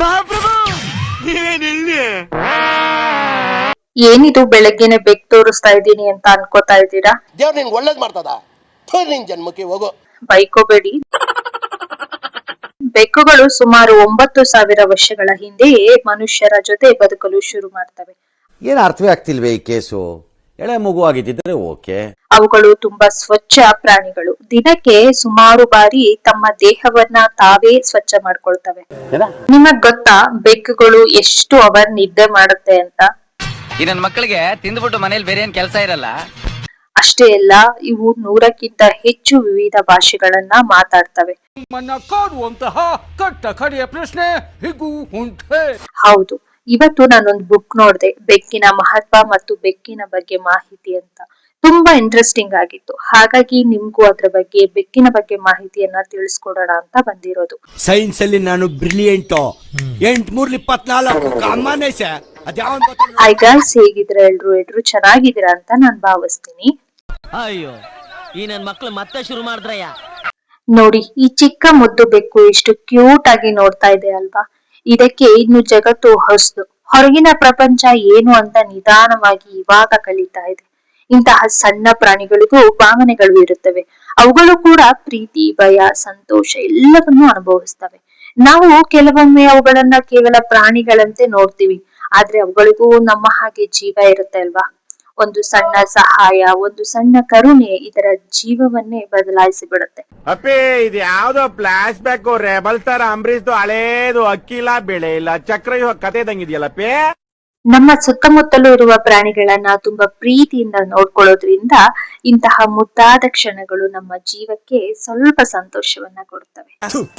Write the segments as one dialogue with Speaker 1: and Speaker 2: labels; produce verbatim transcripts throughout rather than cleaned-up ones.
Speaker 1: ಏನಿದು ಬೆಳಗ್ಗೆನೆ ಬೆಕ್ ತೋರಿಸ್ತಾ ಇದ್ದೀನಿ ಅಂತ ಅನ್ಕೋತಾ ಇದ್ದೀರಾ?
Speaker 2: ದೇವ್ರ ನಿನ್ಗೆ ಒಳ್ಳೇದ್ ಮಾಡ್ತದ, ನಿನ್ ಜನ್ಮಕ್ಕೆ ಹೋಗೋ.
Speaker 1: ಬೈಕೋಬೇಡಿ. ಬೆಕ್ಕುಗಳು ಸುಮಾರು ಒಂಬತ್ತು ಸಾವಿರ ವರ್ಷಗಳ ಹಿಂದೆಯೇ ಮನುಷ್ಯರ ಜೊತೆ ಬದುಕಲು ಶುರು ಮಾಡ್ತವೆ.
Speaker 3: ಏನ್ ಅರ್ಥವೇ ಆಗ್ತಿಲ್ವೇ ಈ ಕೇಸು? ಎಳೆ ಮಗು ಆಗಿದ್ದಿದ್ರೆ ಓಕೆ.
Speaker 1: ಅವುಗಳು ತುಂಬಾ ಸ್ವಚ್ಛ ಪ್ರಾಣಿಗಳು. ದಿನಕ್ಕೆ ಸುಮಾರು ಬಾರಿ ತಮ್ಮ ದೇಹವನ್ನ ತಾವೇ ಸ್ವಚ್ಛ ಮಾಡ್ಕೊಳ್ತವೆ. ನಿಮಗ್ ಗೊತ್ತಾ ಬೆಕ್ಕುಗಳು ಎಷ್ಟು ಅವರ್ ನಿದ್ದೆ ಮಾಡುತ್ತೆ ಅಂತ?
Speaker 4: ಈ ನನ್ನ ಮಕ್ಕಳಿಗೆ ತಿಂದ್ಬಿಟ್ಟು ಮನೇಲಿ ಬೇರೆ ಏನ್ ಕೆಲಸ ಇರಲ್ಲ.
Speaker 1: ಅಷ್ಟೇ ಅಲ್ಲ, ಇವು ನೂರಕ್ಕಿಂತ ಹೆಚ್ಚು ವಿವಿಧ ಭಾಷೆಗಳನ್ನ ಮಾತಾಡ್ತವೆ. ಹೌದು, ಇವತ್ತು ನಾನೊಂದು ಬುಕ್ ನೋಡ್ದೆ, ಬೆಕ್ಕಿನ ಮಹತ್ವ ಮತ್ತು ಬೆಕ್ಕಿನ ಬಗ್ಗೆ ಮಾಹಿತಿ ಅಂತ. ತುಂಬಾ ಇಂಟ್ರೆಸ್ಟಿಂಗ್ ಆಗಿತ್ತು. ಹಾಗಾಗಿ ನಿಮ್ಗೂ ಅದ್ರ ಬಗ್ಗೆ, ಬೆಕ್ಕಿನ ಬಗ್ಗೆ ಮಾಹಿತಿಯನ್ನ ತಿಳಿಸ್ಕೊಡೋಣ ಅಂತ ಬಂದಿರೋದು.
Speaker 5: ಸೈನ್ಸ್ ಅಲ್ಲಿ ನಾನು ಬ್ರಿಲಿಯಂಟ್. ಎಂಟ್ ಮೂರ್ ಇಪ್ಪತ್ನಾಲ್ಕು
Speaker 1: ಹಾಯ್ ಗೈಸ್, ಹೇಗಿದ್ರೆ ಎಲ್ರು ಎಲ್ರು ಚೆನ್ನಾಗಿದ್ದೀರಾ ಅಂತ ನಾನ್ ಭಾವಿಸ್ತೀನಿ.
Speaker 6: ಅಯ್ಯೋ, ಈ ನನ್ ಮಕ್ಳು ಮತ್ತೆ ಶುರು ಮಾಡಿದ್ರಯ್ಯ.
Speaker 1: ನೋಡಿ, ಈ ಚಿಕ್ಕ ಮುದ್ದು ಬೆಕ್ಕು ಎಷ್ಟು ಕ್ಯೂಟ್ ಆಗಿ ನೋಡ್ತಾ ಇದೆ ಅಲ್ವಾ? ಇದಕ್ಕೆ ಇನ್ನು ಜಗತ್ತು ಹೊಸದು. ಹೊರಗಿನ ಪ್ರಪಂಚ ಏನು ಅಂತ ನಿಧಾನವಾಗಿ ಇವಾಗ ಕಲಿತಾ ಇದೆ. ಇಂತಹ ಸಣ್ಣ ಪ್ರಾಣಿಗಳಿಗೂ ಭಾವನೆಗಳು ಇರುತ್ತವೆ. ಅವುಗಳು ಕೂಡ ಪ್ರೀತಿ, ಭಯ, ಸಂತೋಷ ಎಲ್ಲವನ್ನೂ ಅನುಭವಿಸ್ತವೆ. ನಾವು ಕೆಲವೊಮ್ಮೆ ಅವುಗಳನ್ನ ಕೇವಲ ಪ್ರಾಣಿಗಳಂತೆ ನೋಡ್ತೀವಿ, ಆದ್ರೆ ಅವುಗಳಿಗೂ ನಮ್ಮ ಹಾಗೆ ಜೀವ ಇರುತ್ತೆ ಅಲ್ವಾ? ಒಂದು ಸಣ್ಣ ಸಹಾಯ, ಒಂದು ಸಣ್ಣ ಕರುಣೆ ಇದರ ಜೀವವನ್ನೇ ಬದಲಾಯಿಸಿ ಬಿಡುತ್ತೆ.
Speaker 7: ಅಪ್ಪೇ, ಇದು ಯಾವ್ದೋ ಫ್ಲಾಶ್ ಬ್ಯಾಕ್ ರೆಬಲ್ ತರ ಅಂಬರೀಶ್ದು ಹಳೇದು ಅಕ್ಕಿಲ್ಲ ಬೆಳೆ ಇಲ್ಲ ಚಕ್ರ ಕತೆ ಇದಂಗಿದೆಯಲ್ಲಪ್ಪೇ.
Speaker 1: ನಮ್ಮ ಸುತ್ತಮುತ್ತಲೂ ಇರುವ ಪ್ರಾಣಿಗಳನ್ನ ತುಂಬಾ ಪ್ರೀತಿಯಿಂದ ನೋಡ್ಕೊಳ್ಳೋದ್ರಿಂದ ಇಂತಹ ಮುದ್ದಾದ ಕ್ಷಣಗಳು ನಮ್ಮ ಜೀವಕ್ಕೆ ಸ್ವಲ್ಪ ಸಂತೋಷವನ್ನ ಕೊಡುತ್ತವೆ.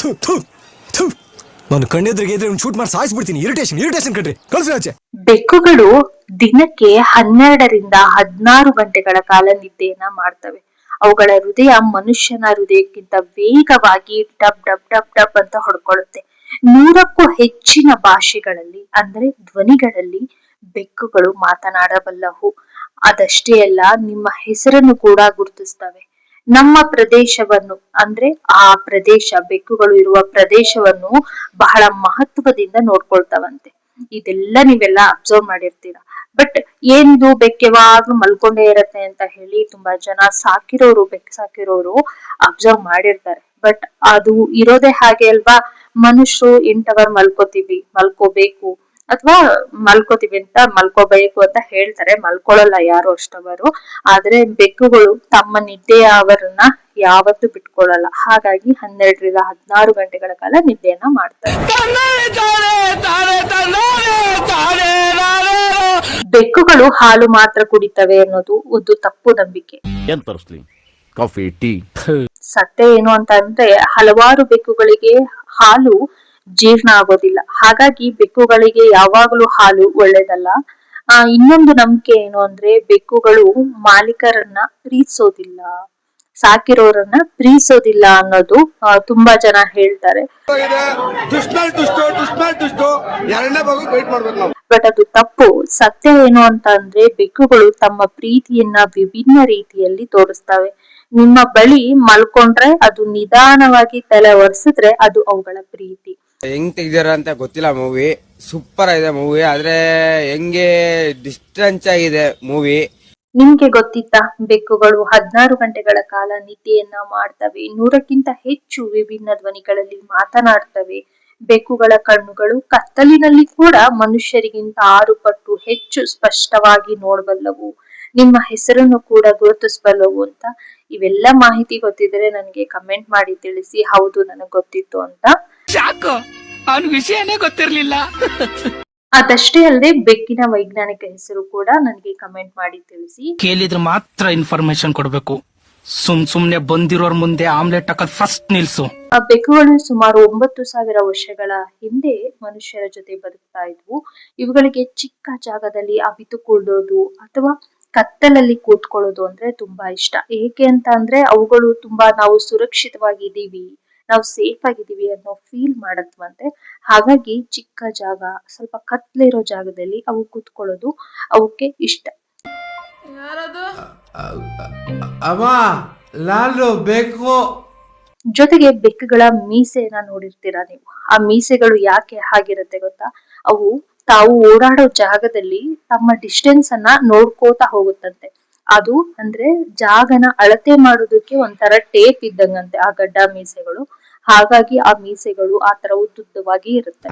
Speaker 5: ನಾನು ಕಣ್ಣೆದ್ರಿಗೆ ಶೂಟ್ ಮಾಡಿ ಸಾಯಿಸ್ಬಿಡ್ತೀನಿ. ಇರಿಟೇಷನ್ ಇರಿಟೇಷನ್ ಕಣ್ರಿ, ಕಳ್ಸಿ ಆಚೆ.
Speaker 1: ಬೆಕ್ಕುಗಳು ದಿನಕ್ಕೆ ಹನ್ನೆರಡರಿಂದ ಹದಿನಾರು ಗಂಟೆಗಳ ಕಾಲ ನಿದ್ದೆಯನ್ನ ಮಾಡ್ತವೆ. ಅವುಗಳ ಹೃದಯ ಮನುಷ್ಯನ ಹೃದಯಕ್ಕಿಂತ ವೇಗವಾಗಿ ಡಬ್ ಡಬ್ ಡಬ್ ಡಬ್ ಅಂತ ಹೊಡ್ಕೊಳ್ಳುತ್ತೆ. ನೂರಕ್ಕೂ ಹೆಚ್ಚಿನ ಭಾಷೆಗಳಲ್ಲಿ ಅಂದ್ರೆ ಧ್ವನಿಗಳಲ್ಲಿ ಬೆಕ್ಕುಗಳು ಮಾತನಾಡಬಲ್ಲವು. ಅದಷ್ಟೇ ಅಲ್ಲ, ನಿಮ್ಮ ಹೆಸರನ್ನು ಕೂಡ ಗುರುತಿಸ್ತವೆ. ನಮ್ಮ ಪ್ರದೇಶವನ್ನು ಅಂದ್ರೆ ಆ ಪ್ರದೇಶ, ಬೆಕ್ಕುಗಳು ಇರುವ ಪ್ರದೇಶವನ್ನು ಬಹಳ ಮಹತ್ವದಿಂದ ನೋಡ್ಕೊಳ್ತಾವಂತೆ. ಇದೆಲ್ಲ ನೀವೆಲ್ಲ ಅಬ್ಸರ್ವ್ ಮಾಡಿರ್ತೀರಾ. ಬಟ್ ಏನಿದು ಬೆಕ್ಕು ಯಾವಾಗ್ಲೂ ಮಲ್ಕೊಂಡೇ ಇರತ್ತೆ ಅಂತ ಹೇಳಿ ತುಂಬಾ ಜನ ಸಾಕಿರೋರು, ಬೆಕ್ಕು ಸಾಕಿರೋರು ಅಬ್ಸರ್ವ್ ಮಾಡಿರ್ತಾರೆ. ಬಟ್ ಅದು ಇರೋದೇ ಹಾಗೆ ಅಲ್ವಾ? ಮನುಷ್ಯರು ಎಂಟ್ ಅವರ್ ಮಲ್ಕೋತೀವಿ, ಮಲ್ಕೋಬೇಕು ಅಥವಾ ಮಲ್ಕೋತೀವಿ ಅಂತ ಮಲ್ಕೋಬೇಕು ಅಂತ ಹೇಳ್ತಾರೆ. ಮಲ್ಕೊಳ್ಳಲ್ಲ ಯಾರು ಅಷ್ಟವರು. ಆದ್ರೆ ಬೆಕ್ಕುಗಳು ತಮ್ಮ ನಿದ್ದೆಯ ಅವರನ್ನ ಯಾವತ್ತೂ ಬಿಟ್ಕೊಳ್ಳಲ್ಲ. ಹಾಗಾಗಿ ಹನ್ನೆರಡರಿಂದ ಹದಿನಾರು ಗಂಟೆಗಳ ಕಾಲ ನಿದ್ದೆಯನ್ನ ಮಾಡ್ತಾರೆ. ಬೆಕ್ಕುಗಳು ಹಾಲು ಮಾತ್ರ ಕುಡಿತವೆ ಅನ್ನೋದು ಒಂದು ತಪ್ಪು ನಂಬಿಕೆ.
Speaker 3: Coffee, tea.
Speaker 1: ಸತ್ಯ ಏನು ಅಂತ ಅಂದ್ರೆ, ಹಲವಾರು ಬೆಕ್ಕುಗಳಿಗೆ ಹಾಲು ಜೀರ್ಣ ಆಗೋದಿಲ್ಲ. ಹಾಗಾಗಿ ಬೆಕ್ಕುಗಳಿಗೆ ಯಾವಾಗಲೂ ಹಾಲು ಒಳ್ಳೇದಲ್ಲ. ಆ ಇನ್ನೊಂದು ನಂಬಿಕೆ ಏನು ಅಂದ್ರೆ, ಬೆಕ್ಕುಗಳು ಮಾಲೀಕರನ್ನ ಪ್ರೀತಿಸೋದಿಲ್ಲ, ಸಾಕಿರೋರನ್ನ ಪ್ರೀತಿಸೋದಿಲ್ಲ ಅನ್ನೋದು ತುಂಬಾ ಜನ ಹೇಳ್ತಾರೆ. ಬಟ್ ಅದು ತಪ್ಪು. ಸತ್ಯ ಏನು ಅಂತ ಅಂದ್ರೆ, ಬೆಕ್ಕುಗಳು ತಮ್ಮ ಪ್ರೀತಿಯನ್ನ ವಿಭಿನ್ನ ರೀತಿಯಲ್ಲಿ ತೋರಿಸ್ತವೆ. ನಿಮ್ಮ ಬಳಿ ಮಲ್ಕೊಂಡ್ರೆ ಅದು ನಿಧಾನವಾಗಿ ತಲೆ ಒರೆಸಿದ್ರೆ ಅದು ಅವುಗಳ ಪ್ರೀತಿ.
Speaker 8: ಹೆಂಗ್ ತೆಗ್ದಾರ ಅಂತ ಗೊತ್ತಿಲ್ಲ. ಮೂವಿ ಸೂಪರ್ ಆಗಿದೆ ಮೂವಿ, ಆದ್ರೆ ಹೆಂಗೆ ಡಿಸ್ಟೆನ್ಸ್ ಆಗಿದೆ ಮೂವಿ.
Speaker 1: ನಿಮ್ಗೆ ಗೊತ್ತಿತ್ತಾ, ಬೆಕ್ಕುಗಳು ಹದಿನಾರು ಗಂಟೆಗಳ ಕಾಲ ನಿದ್ದೆಯನ್ನ ಮಾಡ್ತವೆ. ನೂರಕ್ಕಿಂತ ಹೆಚ್ಚು ವಿಭಿನ್ನ ಧ್ವನಿಗಳಲ್ಲಿ ಮಾತನಾಡ್ತವೆ. ಬೆಕ್ಕುಗಳ ಕಣ್ಣುಗಳು ಕತ್ತಲಿನಲ್ಲಿ ಕೂಡ ಮನುಷ್ಯರಿಗಿಂತ ಆರು ಪಟ್ಟು ಹೆಚ್ಚು ಸ್ಪಷ್ಟವಾಗಿ ನೋಡಬಲ್ಲವು. ನಿಮ್ಮ ಹೆಸರನ್ನು ಕೂಡ ಗುರುತಿಸಬಲ್ಲವು ಅಂತ. ಇವೆಲ್ಲ ಮಾಹಿತಿ ಗೊತ್ತಿದ್ರೆ ನನಗೆ ಕಮೆಂಟ್ ಮಾಡಿ ತಿಳಿಸಿ, ಹೌದು ನನಗೆ ಗೊತ್ತಿತ್ತು ಅಂತ.
Speaker 6: ವಿಷಯನೇ ಗೊತ್ತಿರ್ಲಿಲ್ಲ.
Speaker 1: ಅದಷ್ಟೇ ಅಲ್ಲದೆ ಬೆಕ್ಕಿನ ವೈಜ್ಞಾನಿಕ ಹೆಸರು ಕೂಡ ನನಗೆ ಕಮೆಂಟ್ ಮಾಡಿ ತಿಳಿಸಿ.
Speaker 6: ಕೇಳಿದ್ರೆ ಮಾತ್ರ ಇನ್ಫಾರ್ಮೇಶನ್ ಕೊಡ್ಬೇಕು. ಸುಮ್ ಸುಮ್ನೆ ಬಂದಿರೋರ್ ಮುಂದೆ ಆಮ್ಲೆಟ್ ಹಾಕೋದ್ ಫಸ್ಟ್ ನಿಲ್ಸು.
Speaker 1: ಆ ಬೆಕ್ಕುಗಳು ಸುಮಾರು ಒಂಬತ್ತು ಸಾವಿರ ವರ್ಷಗಳ ಹಿಂದೆ ಮನುಷ್ಯರ ಜೊತೆ ಬದುಕ್ತಾ ಇದ್ವು. ಇವುಗಳಿಗೆ ಚಿಕ್ಕ ಜಾಗದಲ್ಲಿ ಅವಿತುಕೊಳ್ಳೋದು ಅಥವಾ ಕತ್ತಲಲ್ಲಿ ಕೂತ್ಕೊಳ್ಳೋದು ಅಂದ್ರೆ ತುಂಬಾ ಇಷ್ಟ. ಏಕೆ ಅಂತ ಅಂದ್ರೆ, ಅವುಗಳು ತುಂಬಾ ನಾವು ಸುರಕ್ಷಿತವಾಗಿದ್ದೀವಿ, ನಾವು ಸೇಫ್ ಆಗಿದ್ದೀವಿ ಅನ್ನೋ ಫೀಲ್ ಮಾಡತ್ವಂತೆ. ಹಾಗಾಗಿ ಚಿಕ್ಕ ಜಾಗ, ಸ್ವಲ್ಪ ಕತ್ಲಿರೋ ಜಾಗದಲ್ಲಿ ಅವು ಕೂತ್ಕೊಳ್ಳೋದು ಅವಕ್ಕೆ ಇಷ್ಟ.
Speaker 9: ಅಮ್ಮ, ನಾನು ಬೇಕು
Speaker 1: ಜೊತೆಗೆ ಬೆಕ್ಕುಗಳ ಮೀಸೆಯನ್ನ ನೋಡಿರ್ತೀರಾ ನೀವು. ಆ ಮೀಸೆಗಳು ಯಾಕೆ ಹಾಗಿರುತ್ತೆ ಗೊತ್ತಾ? ಅವು ತಾವು ಓಡಾಡೋ ಜಾಗದಲ್ಲಿ ತಮ್ಮ ಡಿಸ್ಟೆನ್ಸ್ ಅನ್ನ ನೋಡ್ಕೋತಾ ಹೋಗುತ್ತಂತೆ. ಅದು ಅಂದ್ರೆ ಜಾಗನ ಅಳತೆ ಮಾಡೋದಕ್ಕೆ ಒಂಥರ ಟೇಪ್ ಇದ್ದಂಗಂತೆ ಆ ಗಡ್ಡ ಮೀಸೆಗಳು. ಹಾಗಾಗಿ ಆ ಮೀಸೆಗಳು ಆ ತರ ಉದ್ದುದ್ದವಾಗಿ ಇರುತ್ತೆ.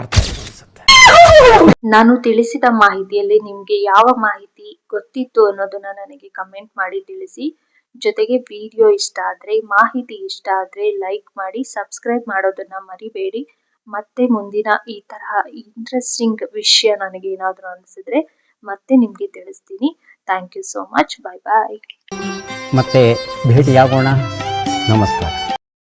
Speaker 1: ನಾನು ತಿಳಿಸಿದ ಮಾಹಿತಿಯಲ್ಲಿ ನಿಮ್ಗೆ ಯಾವ ಮಾಹಿತಿ ಗೊತ್ತಿತ್ತು ಅನ್ನೋದನ್ನ ನನಗೆ ಕಮೆಂಟ್ ಮಾಡಿ ತಿಳಿಸಿ. ಜೊತೆಗೆ ವಿಡಿಯೋ ಇಷ್ಟ ಆದ್ರೆ, ಮಾಹಿತಿ ಇಷ್ಟ ಆದ್ರೆ ಲೈಕ್ ಮಾಡಿ, ಸಬ್ಸ್ಕ್ರೈಬ್ ಮಾಡೋದನ್ನ ಮರಿಬೇಡಿ. ಮತ್ತೆ ಮುಂದಿನ ಈ ತರಹ ಇಂಟ್ರೆಸ್ಟಿಂಗ್ ವಿಷಯ ನನಗೆ ಏನಾದ್ರು ಅನಿಸಿದ್ರೆ ಮತ್ತೆ ನಿಮ್ಗೆ ತಿಳಿಸ್ತೀನಿ. Thank you so much. Bye bye.
Speaker 9: ಮತ್ತೆ ಭೇಟಿಯಾಗೋಣ. ನಮಸ್ಕಾರ.